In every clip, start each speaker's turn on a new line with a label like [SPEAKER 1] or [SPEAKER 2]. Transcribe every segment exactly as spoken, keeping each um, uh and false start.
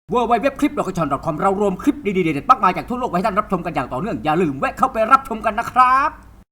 [SPEAKER 1] ดับเบิลยู ดับเบิลยู ดับเบิลยู ดอท คลิป ดอท กระชอน ดอท คอม เรารวมคลิปดีๆเด็ดๆมากมายจากทั่วโลกไว้ให้ท่านรับชมกันอย่างต่อเนื่องอย่าลืมแวะเข้าไปรับชมกันนะครับ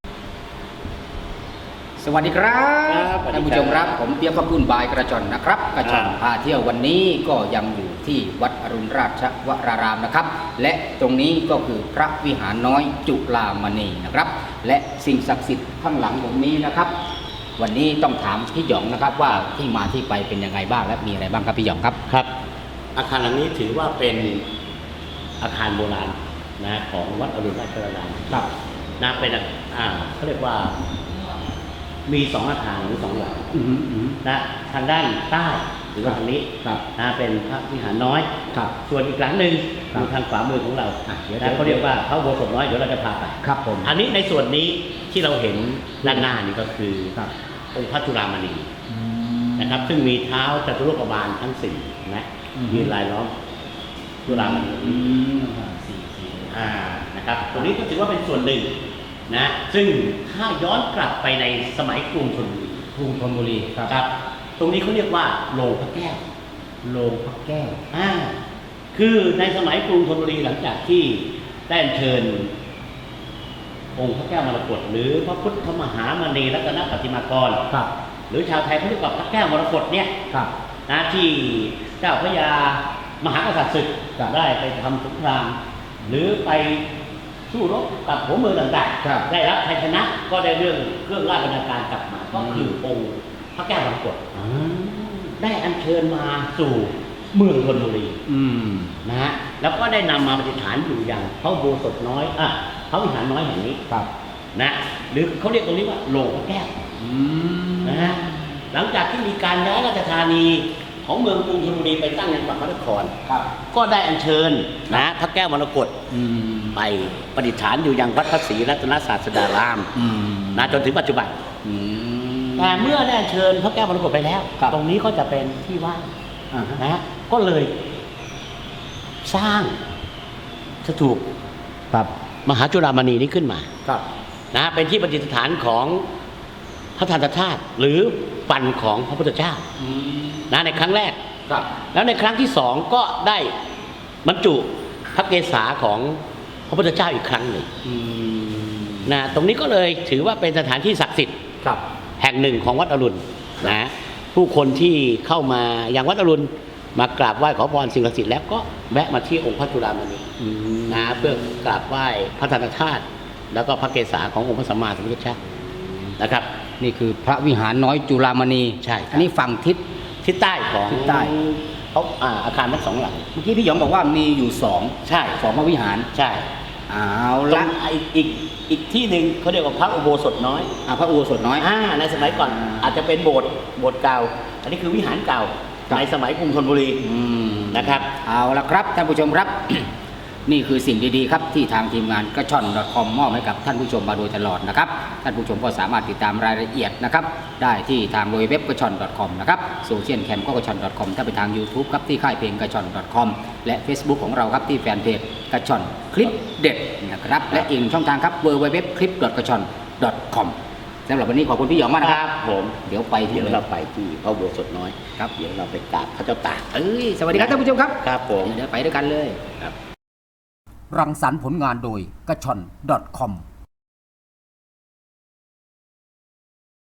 [SPEAKER 1] สวัสดีครับท่านผู้ชมครับผมเปียกขอบคุณบายกระชอนนะครับกระชอนพาเที่ยววันนี้ก็ยังอยู่ที่วัดอรุณราชวรารามนะครับและตรงนี้ก็คือพระวิหารน้อยจุฬามณีนะครับและสิ่งศักดิ์สิทธิ์ข้างหลังผมนี้นะครับวันนี้ต้องถามพี่หยองนะครับว่าที่มาที่ไปเป็นยังไงบ้างและมีอะไรบ้างครับพี่หยองครับ
[SPEAKER 2] ครับอาคารหลังนี้ถือว่าเป็นอาคารโบราณนะของวัดอรุณราชวรารามครับนะเป็นอ่าเขาเรียกว่ามีสองอาคารหรือสองหลังนะทางด้านใต้หรือว่าทางนี้นะเป็นพระวิหารน้อยส่วนอีกหลังหนึ่งอยู่ทางขวามือของเรานะเขาเรียกว่าพระอุโบสถน้อยเดี๋ยวเราจะพาไป
[SPEAKER 1] ครับผม
[SPEAKER 2] อันนี้ในส่วนนี้ที่เราเห็นด้านหน้านี่ก็คือองค์พระจุฬามณีนะครับซึ่งมีเท้าจตุโลกบาลทั้งสี่นะยืนลายล้อมจุฬามณีอ่านะครับตรงนี้ก็ถือว่าเป็นส่วนหนึ่งนะซึ่งถ้าย้อนกลับไปในสมัยกรุงธนบุรี
[SPEAKER 1] กรุงธนบุรี
[SPEAKER 2] ครับตรงนี้เขาเรียกว่าโรงพระแก้ว
[SPEAKER 1] โรงพระแก้ว
[SPEAKER 2] อ่าคือในสมัยกรุงธนบุรีหลังจากที่ได้เชิญองค์พระแก้วมรกตหรือพระพุทธมหามณีรัตนปฏิมากร
[SPEAKER 1] ครับ
[SPEAKER 2] หรือชาวไทยเขาเรียกว่าพระแก้วมรกตเนี่ย
[SPEAKER 1] ครับ
[SPEAKER 2] นะที่เจ้าพระยามหากษัตริย์ศึกได้ไปทำสงครามหรือไปสู้รบกับหัวเมืองต่างๆได้รับชัยชนะก็ได้เรื่องเครื่องราชบรรณาการกลับมาก็คือองค์พระแก้วมรกตได้อัญเชิญมาสู่เมืองธนบุรีนะฮะแล้วก็ได้นำมาประดิษฐานอยู่อย่างพระอุโบสถน้อยอ่ะพระวิหารน้อยแห่งนี้นะหรือเขาเรียกตรงนี้ว่าโรงพระแก้วนะฮะหลังจากที่มีการย้ายราชธานีของเมืองกรุงธนบุรีไปตั้งยังปากพระนครก็ได้อัญเชิญนะพระแก้วมรกตไปประดิษฐานอยู่ยังวัดพระศรีรัตนศาสดารามนะจนถึงปัจจุบันแต่เมื่อได้อัญเชิญพระแก้วมรกตไปแล้วตรงนี้ก็จะเป็นที่ว่างนะก็เลยสร้างสถูปมหาจุฬามณีนี้ขึ้นมานะเป็นที่ประดิษฐานของพระทันตธาตุหรือฟันของพระพุทธเจ้านะในครั้งแรกแล้วในครั้งที่สองก็ได้บรรจุพระเกศาของพระพุทธเจ้าอีกครั้งหนึ่งนะตรงนี้ก็เลยถือว่าเป็นสถานที่ศักดิ์สิทธิ์แห่งหนึ่งของวัดอรุณนะผู้คนที่เข้ามาอย่างวัดอรุณมากราบไหว้ขอพรสิ่งศักดิ์สิทธิ์แล้วก็แวะมาที่องค์พระจุฬามณีนะเพื่อกราบไหว้พระทันตธาตุแล้วก็พระเกศาขององค์พระสัมมาสัมพุทธเจ้านะครับ
[SPEAKER 1] นี่คือพระวิหารน้อยจุฬามณี
[SPEAKER 2] ใช่
[SPEAKER 1] อันนี้ฝั่งทิศ
[SPEAKER 2] ทิศใต้ของ
[SPEAKER 1] ทิศใต้
[SPEAKER 2] เขาอ่าอาคารทั้งสองหลัง
[SPEAKER 1] เมื่อกี้พี่หยองบอกว่ามีอยู่สอง
[SPEAKER 2] ใช่
[SPEAKER 1] สองพระวิหาร
[SPEAKER 2] ใช่
[SPEAKER 1] เอาละ
[SPEAKER 2] อีกอีกอีกที่หนึ่งเขาเรียกว่าพระอุโบสถน้อย
[SPEAKER 1] อ่าพระอุโบสถน้อย
[SPEAKER 2] อ่าในสมัยก่อนอาจจะเป็นโบสถ์โบสถ์เก่าอันนี้คือวิหารเก่าในสมัยกรุงธนบุรีนะครับ
[SPEAKER 1] เอาละครับท่านผู้ชมครับ นี่คือสิ่งดีๆครับที่ทางทีมงานกระชอน ดอท คอม มอบให้กับท่านผู้ชมมาโดยตลอดนะครับท่านผู้ชมก็สามารถติดตามรายละเอียดนะครับได้ที่ทางเว็บกระชอน ดอท คอม นะครับโซเชียลแคมก็กระชอน ดอท คอม ถ้าไปทาง YouTube ครับที่ค่ายเพลงกระชอน ดอท คอม และ Facebook ของเราครับที่แฟนเพจกระชอนคลิปเด็ดนะครับและอีกช่องทางครับ ดับเบิลยู ดับเบิลยู ดับเบิลยู ดอท คลิป ดอท กระชอน ดอท คอม สำหรับวันนี้ขอบคุณพี่หยองมากนะครับ
[SPEAKER 2] ผม
[SPEAKER 1] เดี๋ยวไป
[SPEAKER 2] เดี๋ยวเราไปที่พระอุโบสถน้อย
[SPEAKER 1] ครับ
[SPEAKER 2] เดี๋ยวเราไปกราบพระเจ้าตาก
[SPEAKER 1] เอ้ยสวัสดีครับท่านผู้ชมครับ
[SPEAKER 2] ครับผม
[SPEAKER 1] เดี๋ยวไปด้วยกันเลย
[SPEAKER 2] ครับ
[SPEAKER 1] รังสรรค์ผลงานโดยกระชอน ดอท คอม